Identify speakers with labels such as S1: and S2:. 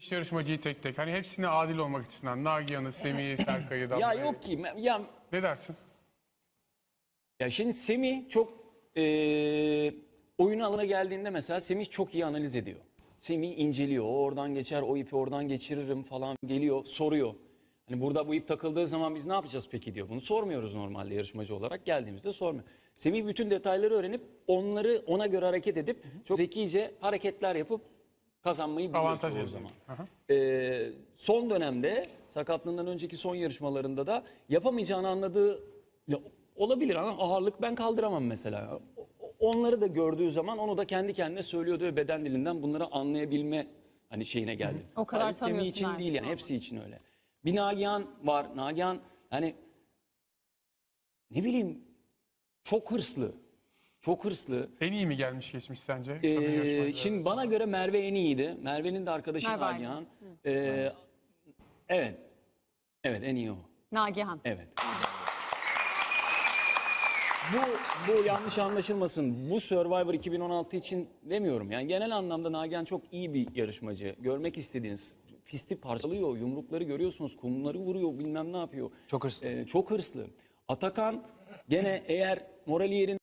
S1: yarışmacıyı tek tek. Hani hepsine adil olmak açısından. Nagihan'ı, Semih'i, Serkay'ı,
S2: Ya
S1: Damla'yı.
S2: yok ki. Ya,
S1: Ne dersin?
S2: ya şimdi Semih çok oyun alanına geldiğinde mesela Semih çok iyi analiz ediyor. Semih inceliyor. O oradan geçer, o ipi oradan geçiririm falan geliyor, soruyor. Hani burada bu ip takıldığı zaman biz ne yapacağız peki diyor. Bunu sormuyoruz normalde yarışmacı olarak. Geldiğimizde sormuyor. Semih bütün detayları öğrenip onları ona göre hareket edip çok zekice hareketler yapıp kazanmayı biliyor
S1: Avantaj
S2: çoğu
S1: elde
S2: zaman.
S1: ediyor.
S2: Son dönemde sakatlığından önceki son yarışmalarında da yapamayacağını anladığı ya, olabilir ama ağırlık ben kaldıramam mesela. Onları da gördüğü zaman onu da kendi kendine söylüyordu ve beden dilinden bunları anlayabilme hani şeyine geldi.
S3: O kadar
S2: Sadece Semih
S3: tanıyorsun
S2: için
S3: artık.
S2: değil yani hepsi için öyle. Bir Nagihan var. Nagihan hani ne bileyim çok hırslı. Çok hırslı.
S1: En iyi mi gelmiş geçmiş sence? Kadın yarışmacılar
S2: Şimdi bana göre Merve en iyiydi. Merve'nin de arkadaşı
S3: Merve
S2: Nagihan. Evet. Evet en iyi o.
S3: Nagihan.
S2: Evet. Bu yanlış anlaşılmasın. Bu Survivor 2016 için demiyorum. Yani genel anlamda Nagihan çok iyi bir yarışmacı. Görmek istediğiniz pisti parçalıyor, yumrukları görüyorsunuz, kumları vuruyor, bilmem ne yapıyor.
S4: Çok hırslı.
S2: Çok hırslı. Atakan gene eğer morali yerinde